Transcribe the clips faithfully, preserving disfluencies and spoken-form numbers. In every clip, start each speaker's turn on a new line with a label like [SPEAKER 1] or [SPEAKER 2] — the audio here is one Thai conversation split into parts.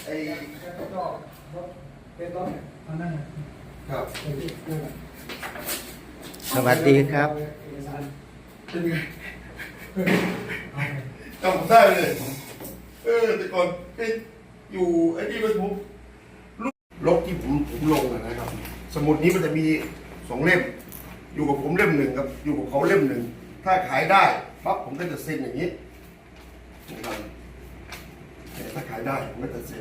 [SPEAKER 1] ไอ้
[SPEAKER 2] ก็เป็นต้นอันนั้น
[SPEAKER 1] ครับ
[SPEAKER 3] สวัสดีครับ
[SPEAKER 1] เป็นไงจำได้เลยเออแต่ก่อนไปอยู่ไอ้นี่มันผมลบที่ผมผมลงนะครับ สมุดนี้มันจะมีสองเล่มอยู่กับผมเล่มหนึ่งครับอยู่กับเขาเล่มหนึ่งถ้าขายได้ปั๊บผมก็จะเซ็นอย่างนี้นะครับถ้าขายได้ผมก็จะเซ็น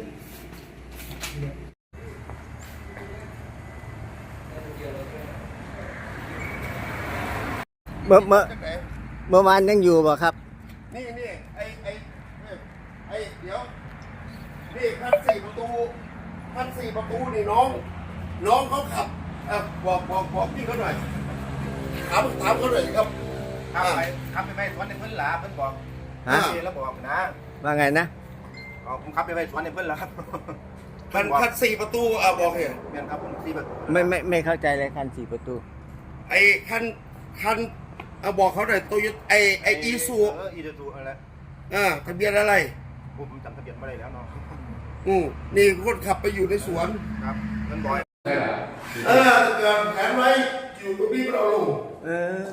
[SPEAKER 3] เมื่อเมื่อเมื่อวานยังอยู่บ่ครับ
[SPEAKER 1] นี่นี่ไอไอไอเดี๋ยวนี่คันสี่ประตูคันสี่ประตูนี่น้องน้องเขาขับอ่ะบอกบอกบอกพี่เขาหน่อยถามถามเขาหน่อยครับ
[SPEAKER 4] ขับไปขับไปไปสวนในเพิ่นหลาเพิ่นบอกฮะแล้วบอกนะ
[SPEAKER 3] ว่าไงนะ
[SPEAKER 4] อ๋อผมขับไปไปสวนในเพิ่นหลาครับ
[SPEAKER 1] คันคันสี่ประตูอ่ะบอกเหรอ
[SPEAKER 4] เมียนครับผมสี่ประตู
[SPEAKER 3] ไม่ไม่ไม่เข้าใจเลยคันสี่ประตู
[SPEAKER 1] ไอคันคันเอาบอกเขาหน่อยตัวไอไออีซู
[SPEAKER 4] เอออีซูอะไร
[SPEAKER 1] อ่าทะเบียนอะไร
[SPEAKER 4] ผมจำทะเบียนไม่ได้แล้วเนาะ
[SPEAKER 1] อืมนี่คนขับไปอยู่ในสวน
[SPEAKER 4] ครับเงินบอย
[SPEAKER 1] เออเกิดแผนไว้อยู่กับพี่เราลง
[SPEAKER 3] เออ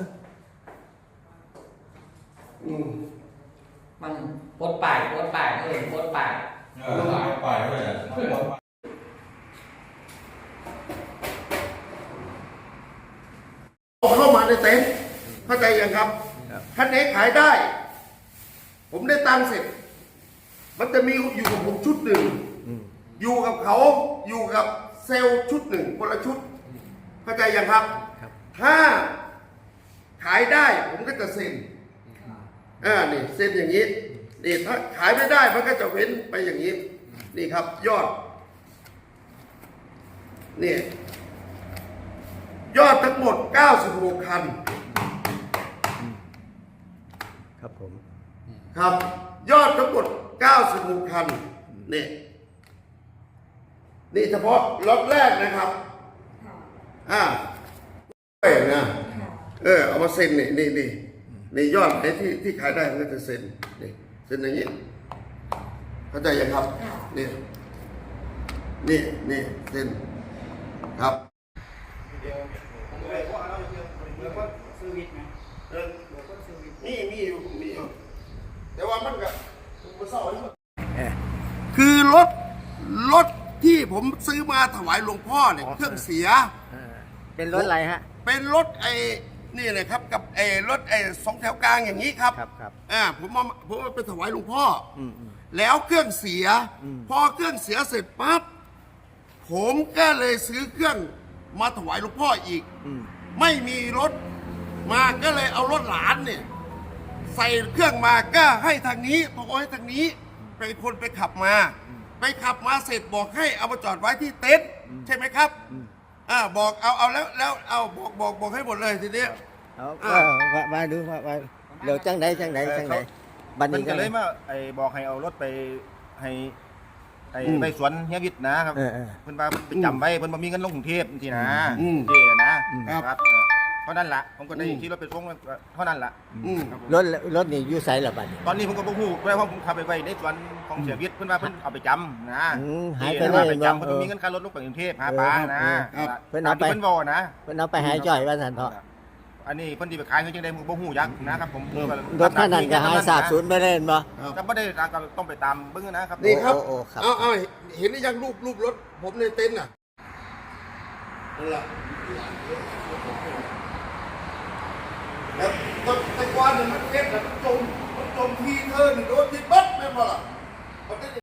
[SPEAKER 1] อืม
[SPEAKER 2] มันปดป่ายปดป่ายเออปดป่าย
[SPEAKER 5] เออป่ายด้วย
[SPEAKER 1] เข้ามาในเต็นท์เข้าใจยังครับคันไหนขายได้ ผมได้ตังค์เสร็จมันจะมีอยู่กับผมชุดหนึ่งอยู่กับเขาอยู่กับเซลล์ชุดหนึ่งคนละชุดเข้าใจยังครับถ้าขายได้ผมก็จะเซ็นอ่านี่เซ็นอย่างนี้นี่ถ้าขายไม่ได้มันก็จะเว้นไปอย่างนี้นี่ครับยอดนี่ยอดทั้งหมดเก้าสิบหกคัน
[SPEAKER 3] ครับผม
[SPEAKER 1] ครับยอดทั้งหมดเก้าสิบหกคันนี่นี่เฉพาะล็อตแรกนะครับอ่าเออนะเออเอามาเซ็นนี่นี่นี่นี่ยอดไอ้ที่ที่ขายได้มันก็จะเซ็นนี่เซ็นอย่างนี้เข้าใจยังครับนี่นี่นี่เซ็นครับนี่มีอยู่มีอยู่แต่ว่ามันก็มันเศร้าคือรถรถที่ผมซื้อมาถวายหลวงพ่อเนี่ยเครื่องเสีย
[SPEAKER 3] เป็นรถอะไรฮะ
[SPEAKER 1] เป็นรถไอ้นี่เลยครับกับไอ้รถไอ้สองแถวกลางอย่างนี้ครับ
[SPEAKER 3] ครับครับ
[SPEAKER 1] อ่าผมมาผมมาไปถวายหลวงพ่อแล้วเครื่องเสียพอเครื่องเสียเสร็จปั๊บผมก็เลยซื้อเครื่องมาถวายหลวงพ่ออีกไม่มีรถมาก็เลยเอารถหลานเนี่ยใส่เครื่องมาก็ให้ทางนี้พอให้ทางนี้เป็นคนไปขับมาไปขับมาเสร็จบอกให้เอามาจอดไว้ที่เต็นท์ใช่ไหมครับอ่าบอกเอาเอาแล้วแล้วเอาบอกบอกบอกให้หมดเลยทีนี้
[SPEAKER 3] เอาว่าว่าดูว่าว่าเดี๋ยวจังไหนจังไหนจังไหนบันนี้
[SPEAKER 4] ก็เลยมาไอ้บอกให้เอารถไปให้ไอ้ไปสวนเฮียวิทย์นะครับเพิ่นว่าไปจำไว้เพิ่นบ่มีเงินลงกรุงเทพทีนะเจ๊นะครับเพราะนั่นละผมก็ได้ขี่รถไปส่งเท่านั้นละ
[SPEAKER 3] รถรถนี่อยู่ไสล่ะบัดนี้
[SPEAKER 4] ตอนนี้ผมก็บ่ฮู้เพราะว่าผมขับไปไว้ในสวนของเสียวิทย์เพิ่นว่าเพิ่นเอาไปจำนะ
[SPEAKER 3] หายไปเลย
[SPEAKER 4] ไปจำเพิ่นบ่มีเงินค่ารถลงไปกรุงเทพหาปลานะ
[SPEAKER 3] เพิ่นเอาไป
[SPEAKER 4] เพิ่นบ่นะ
[SPEAKER 3] เพิ่นเอาไปหายจ่อยว่าซั่นเถาะ
[SPEAKER 4] อันนี้เพิ่นสิไปขายคือจังได๋ผมก็บ่ฮู้จักนะครับผม
[SPEAKER 3] รถคันนั้นก็หายสาบสูญไปเลยบ่
[SPEAKER 4] แต่บ่ได้ก็ต้องไปตามเบิ่งนะครับ
[SPEAKER 1] นี่ครับเอาเอาเห็นหรือยังรูปรูปรถผมในเต็นท์น่ะนั่นแหละแล้วตะกวานเนี่ยมันเก็บแล้วมันจมมันจมทีเธอหนึ่งโดนที่บัดไม่พอละ